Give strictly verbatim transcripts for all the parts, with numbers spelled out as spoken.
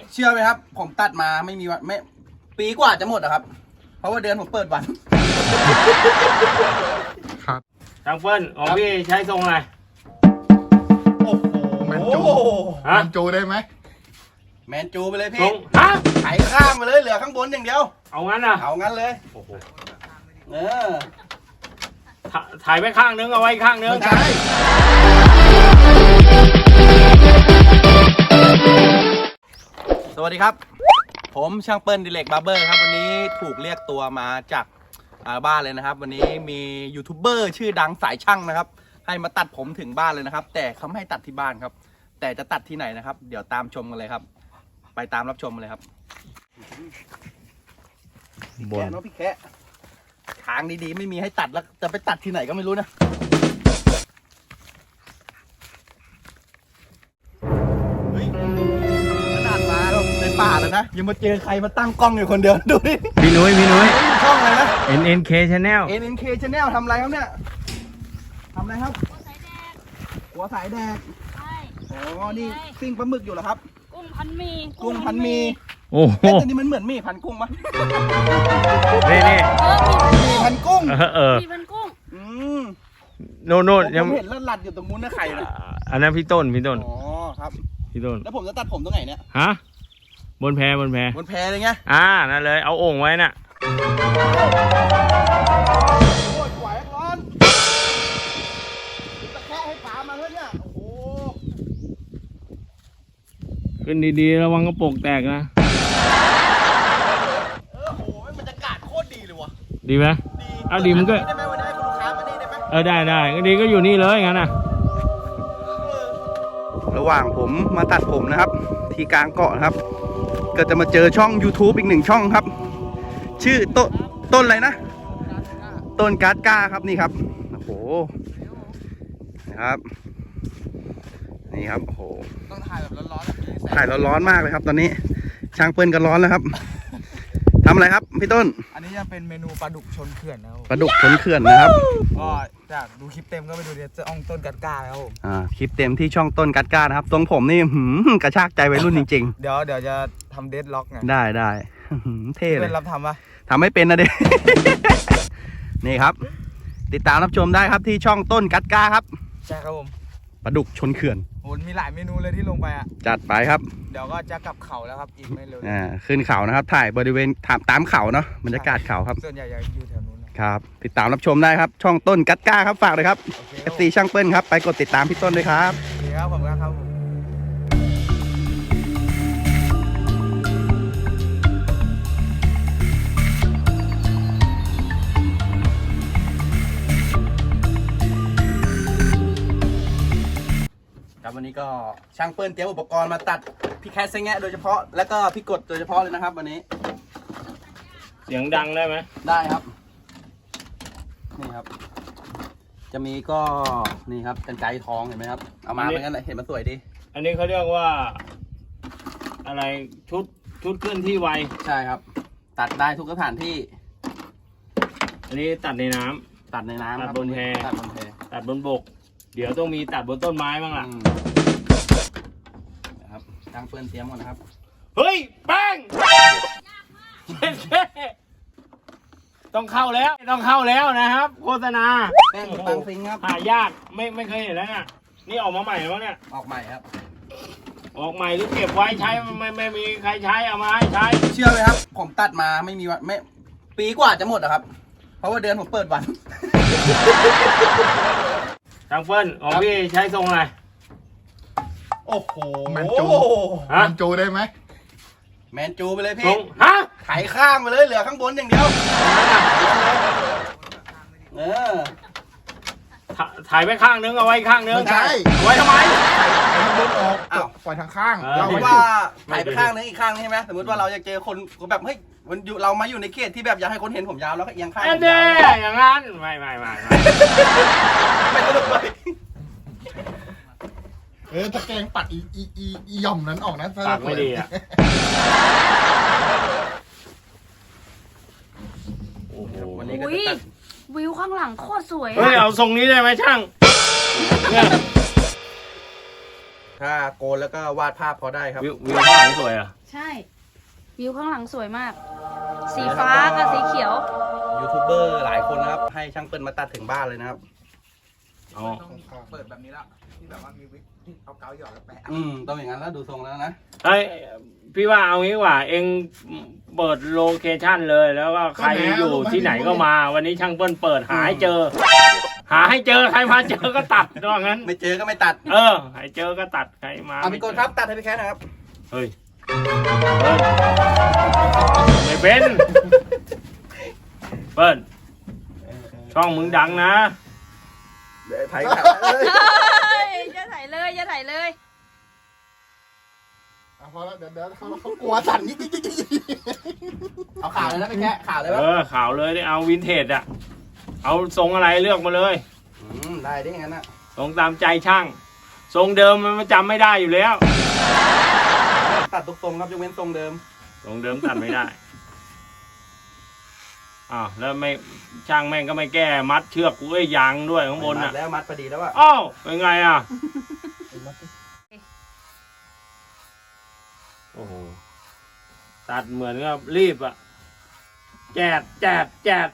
เชื่อไหมครับผมตัดมาไม่มีวันไม่ปีกว่าจะหมดอะครับเพราะว่าเดือนผมเปิดวันครับทางเฟิร์นของพี่ใช้ทรงอะไรโอ้โหแมนจูแมนจูได้ไหมแมนจูไปเลยทรพี่งฮะไถข้างไปเลยเหลือข้างบนอย่างเดียวเอางั้นอ่ะเอางั้นเลยโอ้โหเออถ่ายไปข้างนึงเอาไว้ข้างนึงใช่สวัสดีครับผมช่างเปิ้ลดิเล็กบาร์เบอร์ครับวันนี้ถูกเรียกตัวมาจากบ้านเลยนะครับวันนี้มียูทูบเบอร์ชื่อดังสายช่างนะครับให้มาตัดผมถึงบ้านเลยนะครับแต่เขาไม่ให้ตัดที่บ้านครับแต่จะตัดที่ไหนนะครับเดี๋ยวตามชมกันเลยครับไปตามรับชมกันเลยครับพี่แกะเนาะพี่แกะทางดีๆไม่มีให้ตัดแล้วจะไปตัดที่ไหนก็ไม่รู้นะเฮ้ยขนาดมาเราในป่าแล้วนะยังมาเจอใครมาตั้งกล้องอยู่คนเดียวดูดิพี่นุ้ยพี่นุ้ยช่องอะไรนะเอ็น เอ็น เค Channel เอ็น เอ็น เค Channel ทำอะไรครับเนี่ยทำอะไรครับหัวสายแดกใช่อ๋อนี่ปิ้งปลาหมึกอยู่เหรอครับกุ้งพันมีกุ้งพันมีโอ้โหแต่นี่มันเหมือนมีพันกุ้งปะนี่นี่มีพันกุ้งเออมีพันกุ้งอืมโน่นโน่นยังเห็นเลือดหลัดอยู่ตรงนู้นนะไข่นะอันนั้นพี่ต้นพี่ต้นอ๋อครับพี่ต้นแล้วผมจะตัดผมตรงไหนเนี่ยฮะบนแพบนแพบนแพเลยไงอ่านั่นเลยเอาโอ่งไว้น่ะโอ้ยไหวร้อนตะแคงให้ขามาเลยเนี่ยโอ้โหขึ้นดีๆระวังกระโปรงแตกนะเออโหบรรยากาศโคตรดีเลยวะดีไหมดีเอาดีมันก็ได้ไหมวันนี้ให้คุณลูกค้ามานี่ได้ไหมเออได้ได้ก็ดีก็อยู่นี่เลยงั้นน่ะระหว่างผมมาตัดผมนะครับที่กลางเกาะนะครับก็จะมาเจอช่อง YouTube อีกหนึ่งช่องครับชื่อต้นต้นอะไรนะต้นการ์ดก้าครับนี่ครับโอ้โหนะครับนี่ครับโอ้โหต้องถ่ายแบบร้อนๆถ่ายร้อนๆมากเลยครับตอนนี้ช่างเปิ้ลก็ร้อนแล้วครับทำอะไรครับพี่ต้นอันนี้จะเป็นเมนูปลาดุกชนเขื่อนนะครับปลาดุกชนเขื่อนนะครับก็จากดูคลิปเต็มก็ไปดูเดี๋ยวจะอ่องต้นกัดก้าแล้วผมอ่าคลิปเต็มที่ช่องต้นกัดก้านะครับทรงผมนี่หืมกระชากใจวัยรุ่นจริงๆเดี๋ยวเดี๋ยวจะทำเดดล็อกไงได้ได้เท่เลยเป็นรับทำปะทำไม่เป็นนะเด็ก นี่ครับติดตามรับชมได้ครับที่ช่องต้นกัดก้าครับใช่ครับผมปลาดุกชนเขื่อนโหมีหลายเมนูเลยที่ลงไปอ่ะจัดไปครับเดี๋ยวก็จะกลับเขาแล้วครับอีกไม่เร็วอ่าขึ้นเขานะครับถ่ายบริเวณตามเขาเนาะบรรยากาศเขาครับส่วนใหญ่อยู่แถวนู้นครับติดตามรับชมได้ครับช่องต้นกัดก้าครับฝากเลยครับ เอฟ ซี ช่างเปิ้ลครับไปกดติดตามพี่ต้นด้วยครับดีครับผมครับผมครับวันนี้ก็ช่างเปิ้ลเตรียมอุปกรณ์มาตัดพี่แคสเซงแงะโดยเฉพาะแล้วก็พี่กดโดยเฉพาะเลยนะครับวันนี้เสียงดังได้ไหมได้ครับนี่ครับจะมีก็นี่ครับกันไกรทองเห็นไหมครับเอามาเป็นกันเห็นมันสวยดีอันนี้เขาเรียกว่าอะไรชุดชุดเคลื่อนที่ไวใช่ครับตัดได้ทุกสถานที่อันนี้ตัดในน้ำตัดในน้ำตัดบนแพตัดบนแพตัดบนบกเดี๋ยวต้องมีตัดบนต้นไม้บ้างล่ะนะครับช่างเปิ้ลเตรียมก่อนนะครับเฮ้ยแป้งต้องเข้าแล้วต้องเข้าแล้วนะครับโฆษณาแป้งบางซิงครับหายากไม่ไม่เคยเห็นแล้วเนี่ยนี่ออกมาใหม่แล้วเนี่ยออกใหม่ครับออกใหม่หรือเก็บไว้ใช้ไม่ไม่มีใครใช้เอามาให้ใช้เชื่อไหมครับผมตัดมาไม่มีวันไม่ปีกว่าจะหมดอะครับเพราะว่าเดือนผมเปิดวันทางเฟิร์นของพี่ใช้ทรงอะไรโอ้โหแมนจูแมนจูได้ไหมแมนจูไปเลยพี่ทรงฮะไถข้างไปเลยเหลือข้างบนอย่างเดียวเออถ่ายไปข้างนึงเอาไว้ข้างนึงใช่ไว้ทำไมข้างบนออกอ้าวปล่อยทางข้างเราว่าถ่ายไปข้างนึงอีกข้างนึงใช่ไหมสมมติว่าเราอยากเจอคนแบบเฮ้ยมันอยู่เรามาอยู่ในเขตที่แบบอยากให้คนเห็นผมยาวแล้วก็เอียงข้างเด้อย่างนั้นไม่ไม่ไม่ไม่สนุกเลยเออตะแกรงปัดอีอีอีอีย่อมนั้นออกนะปากไม่ดีอ่ะโอ้โหวันนี้ก็จะตัดวิวข้างหลังโคตรสวยเฮ้ยเอาทรงนี้ได้ไหมช่างถ้าโกนแล้วก็วาดภาพพอได้ครับวิววิวข้างหลังสวยอ่ะใช่วิวข้างหลังสวยมาก สีฟ้ากับสีเขียวยูทูบเบอร์หลายคนนะครับ ให้ช่างเปิ้ลมาตัดถึงบ้านเลยนะครับอ๋อต้องเปิดแบบนี้แล้วที่แบบว่ามีวิกเอากาวหยอดแล้วแปะอืมต้องอย่างนั้นแล้วดูทรงแล้วนะเฮ้ยพี่ว่าเอางี้ดีกว่า เองเปิดโลเคชั่นเลยแล้วก็ใครอยู่ที่ไหนก็มา วันนี้ช่างเปิ้ลเปิดหาให้เจอ หาให้เจอใครมาเจอก็ตัดว่างั้นไม่เจอก็ไม่ตัดเออให้เจอก็ตัดใครมาเอาพี่กดครับตัดให้พี่แคทนะครับเฮ้ยเปิ้ลไม่เป็นเปิ้ลช่องมึงดังนะเดี๋ยวถ่ายขาเลยอย่าถ่ายเลยอย่าถ่ายเลยอ่ะพอแล้วเดี๋ยวเดี๋ยวเขาเขากลัวสั่นยิ่งยิ่งยิ่งยิ่งเอาขาเลยนะพี่แคทขาเลยเอวะอข่าวเลยได้เอาวินเทจอะเอาทรงอะไรเลือกมาเลยอืมได้ได้งั้นนะทรงตามใจช่าง ทรงเดิมมันจำไม่ได้อยู่แล้วตัดทุกทรงครับยกเว้นทรงเดิมทรงเดิมตัดไม่ได้อ้าวแล้วไม่ช่างแม่งก็ไม่แก้มัดเชือกกูไอ้ยยางด้วยข้างบนมัอ่ะดแล้วมัดพอดีแล้วอะอ้าวเป็นไงอ่ะโอ้โหตัดเหมือนกับรีบอ่ะแจดแจดแจด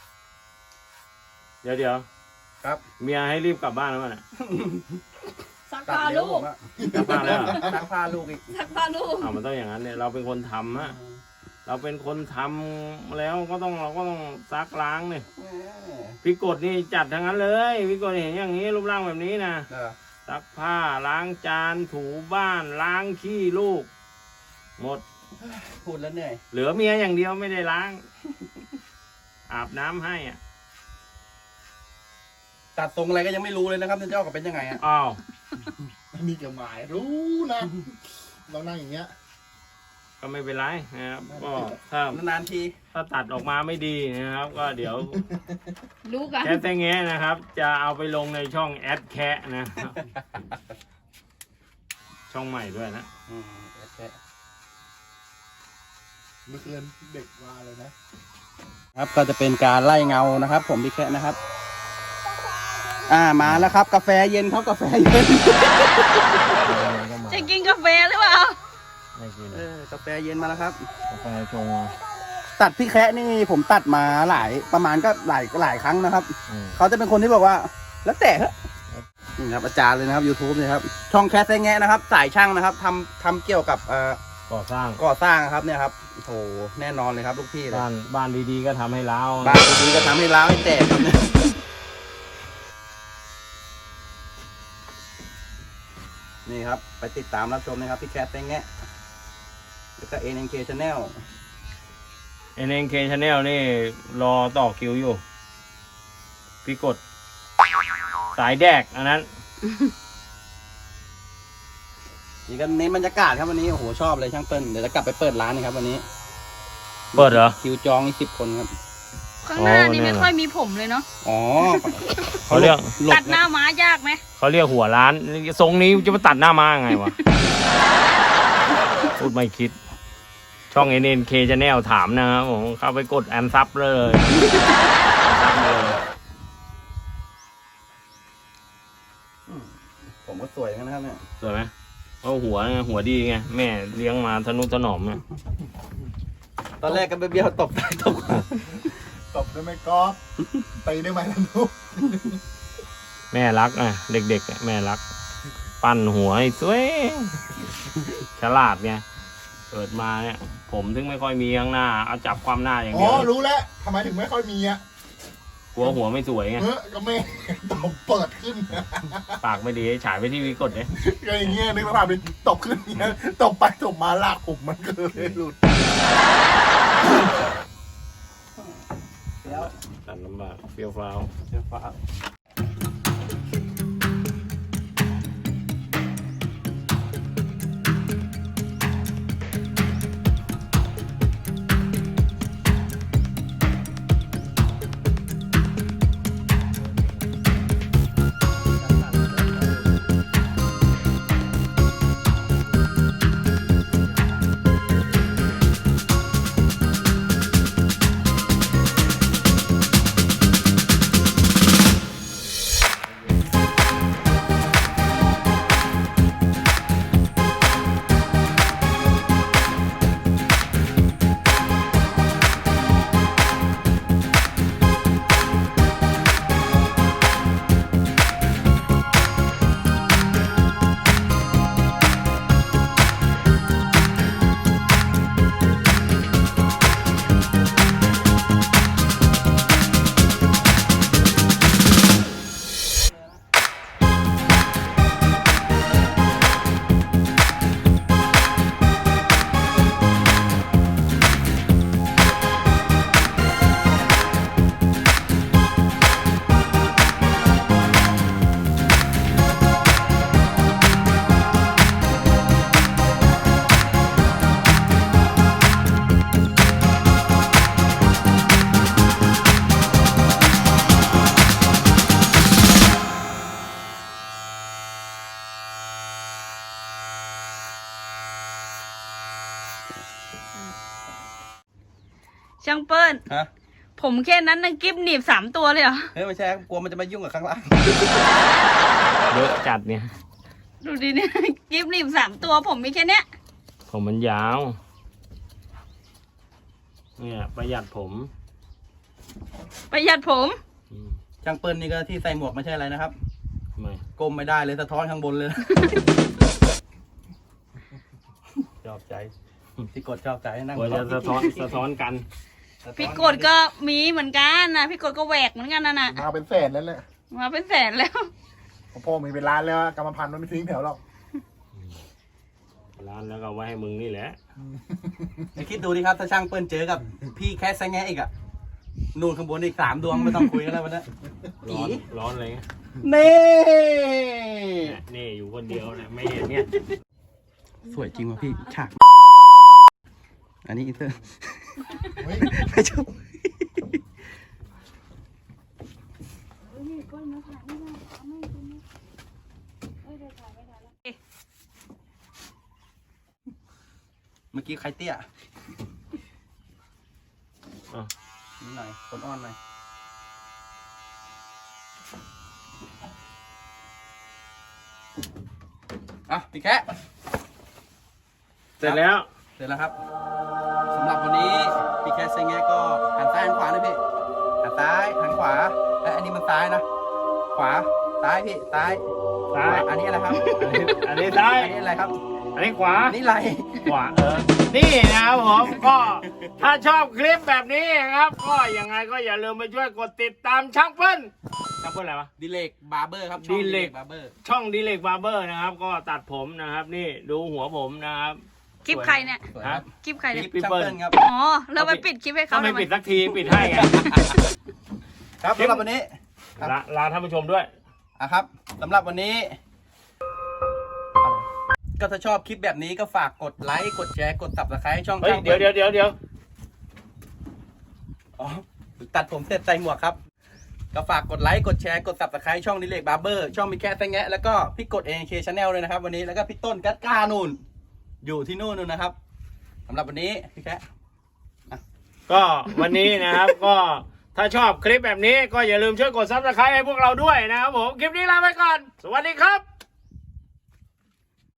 เดี๋ยวเดี๋ยวครับเมียให้รีบกลับบ้านแล้วมันอ่ะสักตัดผ้าเร็วลูผกมอะกลับบ้านแล้วเหรอซักผ้าลูกอีกสักผ้าลูกอ้าวมันต้องอย่างนั้นเนี่ยเราเป็นคนทำอะเราเป็นคนทำแล้วก็ต้องเราก็ต้องซักล้างเนี่ยแหมพี่กดนี่จัดทั้งนั้นเลยพี่กดเห็นอย่างนี้รูปร่างแบบนี้นะเออซักผ้าล้างจานถูบ้านล้างขี้ลูก หมดพูดแล้วเหนื่อยเหลือเมียอย่างเดียวไม่ได้ล้าง อาบน้ำให้อ่ะตัดทรงอะไรก็ยังไม่รู้เลยนะครับจะออกมาเป็นยังไงอะอ้าวมีเกี่ยวหมายรู้นะเรานั่งอย่างเงี้ยก็ไม่เป็นไรนะครับก็ถ้านานๆทีถ้าตัดออกมาไม่ดีนะครับ ก็เดี๋ยวรู้กันแค่แต่แงะนะครับ จะเอาไปลงในช่องแอดแคะนะครับ ช่องใหม่ด้วยนะอืมโอเคเมื่อคืนเด็กว่าเลยนะครับก็จะเป็นการไล่เงานะครับ ผมพี่แคะนะครับ อ่ามาแล้วครับ กาแฟเย็นครับกาแฟเย็นจะกินกาแฟหรือเปล่าไม่กินเออกาแฟเย็นมาแล้วครับกาแฟชงตัดพี่แคะนี่ผมตัดมาหลายประมาณก็หลายหลายครั้งนะครับอืมเขาจะเป็นคนที่บอกว่า แล้วแต่เถอะนี่ครับอาจารย์เลยนะครับ YouTube นี่ครับช่องแคสแงะนะครับสายช่างนะครับทำทำเกี่ยวกับเอ่อก่อสร้างก่อสร้างครับเนี่ยครับโอ้โหแน่นอนเลยครับลูกพี่เลยบ้านบ้านดีๆก็ทำให้ล้าวบ้านดีๆก็ทำให้ร้าวให้แตกครับเนี่ยนี่ครับไปติดตามรับชมนะครับพี่แคสแงะแล้วก็ เอ็น เอ็น เค Channel เอ็นเอ็นเคชาแนลนี่รอต่อคิวอยู่ พี่กด สายแดกอันนั้นนี่ก็เน้นบรรยากาศครับวันนี้โอ้โหชอบเลยช่างเปิ้ลเดี๋ยวจะกลับไปเปิดร้านนะครับวันนี้เปิดเหรอคิวจองอีกสิบคนครับข้างหน้าอ๋อนี่แน่ไม่นอนค่อยมีผมเลยเนาะอ๋อเขาเรียกหลตับดหน้าม้ายากไหมเขาเรียกหัวร้าน ทรงนี้จะมาตัดหน้ามาไงวะ พูดไม่คิด ช่อง เอ็น เอ็น เค Channel ถามนะครับผมเข้าไปกดแอนซับเลยซับเลยผมก็สวยกันนะครับเนี่ยสวยไหมเพราะหัวไงหัวดีไง แม่เลี้ยงมาทนุถนอมไงตอนแรกก็เบี้ยวๆตบตายตบขวาตบได้ไหมก๊อฟตีได้ไหมล่ะลูกแม่รักอ่ะ เด็กๆอ่ะแม่รัก ปั้นหัวให้สวย ฉลาดไงเกิดมาเนี่ย ผมถึงไม่ค่อยมีข้างหน้า เอาจับความหน้าอย่างอ๋เดีอยวรู้แล้วทำไมถึงไม่ค่อยมีอ่ะกลัวหัวไม่สวยไงเออก็ไม่ตบเปิดขึ้นปากไม่ดีฉายไปที่วิกดเนี่ยก็อย่างเงี้ยนึกสภาพเป็นตบขึ้นอย่างเงี้ยตบไปตบมาลากผมมันก็เลยหลุดแล้วตัดลำบากเฟี้ยวฟ้าวเดี๋ยวฟ้าช่างเปิ้ลฮะผมแค่นั้นนังกิฟหนีบสามตัวเลยเหรอเฮ้ยไม่ใช่กลัวมันจะมายุ่งกับข้างล่างเยอะจัดเนี่ยดูดิเนี่ย กิฟหนีบสามตัวผมมีแค่เนี้ยผมมันยาว เนี่ยประหยัดผมประหยัดผมอืมช่างเปิ้ลนี่ก็ที่ใส่หมวกไม่ใช่อะไรนะครับทำไมก้มไม่ได้เลยสะท้อนข้างบนเลยชอบใจพี่กดชอบใจนั่งกลัวจะสะท้อนสะท้อนกันพี่กดก็มีเหมือนกันนะพี่กดก็แหวกเหมือนกันนะน่ะมาเป็นแสนแล้วแหละมาเป็นแสนแล้วพ่อมีเป็นล้านแล้วอะกรรมพันธุ์มันไม่ทิ้งแถวหรอกร้านแล้วก็ไว้ให้มึงนี่แหละไอ้คิดดูดิครับถ้าช่างเปิ้ลเจอกับ พี่แคสแซงแงอีกอะนู่นข้างบนอีกสามดวงไม่ต้องคุยกันแล้ววันนี้ร้อนร้อนอะไรเงี้ยนี่เนี่ยนี่อยู่คนเดียวเนี่ยไม่เห็นเนี่ยสวยจริงว่ะพี่ฉาก อันนี้อินเตอร์เฮ้ยไม่ชอบเมื่อกี้ใครเตี้ยอ่ะนิดหน่อยคนอ้อนหน่อยอ่ะพี่แคะเสร็จแล้วเสร็จแล้วครับสำหรับวันนี้พี่แคสเซงแงก็หันซ้ายหันขวานะพี่หันซ้ายหันขวาเอ้ยอันนี้มันซ้ายนะ ขวาซ้ายพี่ซ้ายซ้ายอันนี้อะไรครับอันนี้ซ้ายอันนี้อะไรครับอันนี้ขวาอันนี้ไหลขวาเออ นี่นะครับผมก็ถ้าชอบคลิปแบบนี้นะครับ ก็ยังไงก็อย่าลืมไปช่วยกดติดตามช่างเปิ้ลช่างเปิ้ลอะไรวะดิเลกบาร์เบอร์ครับช่องดิเลกบาร์เบอร์ช่องดีเล็กบาร์เบอร์นะครับ ก็ตัดผมนะครับ นี่ดูหัวผมนะครับคลิปใครเนี่ยสวยครับคลิปใครคเนี่ยลิปพี่ช่างเปิ้ลเปิ้ลครับอ๋อเราไปปิดคลิปให้เขาถ้าไม่ทำไมปิดสักทีปิดให้ไงครับสำหรับวันนี้ลาลาท่านผู้ชมด้วยอ่ะครับสำหรับวันนี้ ก็ถ้าชอบคลิปแบบนี้ก็ฝากกดไลค์กดแชร์กด ซับสไครบ์ช่องเฮ้ยช่างเดี๋ยวปิ้ลเดี๋ยวเดี๋ยวเดี๋ยวอ๋อตัดผมเสร็จใส่หมวกครับ ก็ฝากกดไลค์กดแชร์กด ซับสไครบ์ช่องดิเลกบาร์เบอร์ช่องมีแค่แตงแงะแล้วก็พี่กด เอ เค Channel เลยนะครับ วันนี้แล้วก็พี่ต้นกัดก้านู่น อยู่ที่นู่นนู่นนะครับสำหรับวันนี้พี่แค่ก็วันนี้นะครับ ก็ถ้าชอบคลิปแบบนี้ก็อย่าลืมช่วยกดซับสไครต์ให้พวกเราด้วยนะครับผม คลิปนี้ลาไปก่อน สวัสดีครับ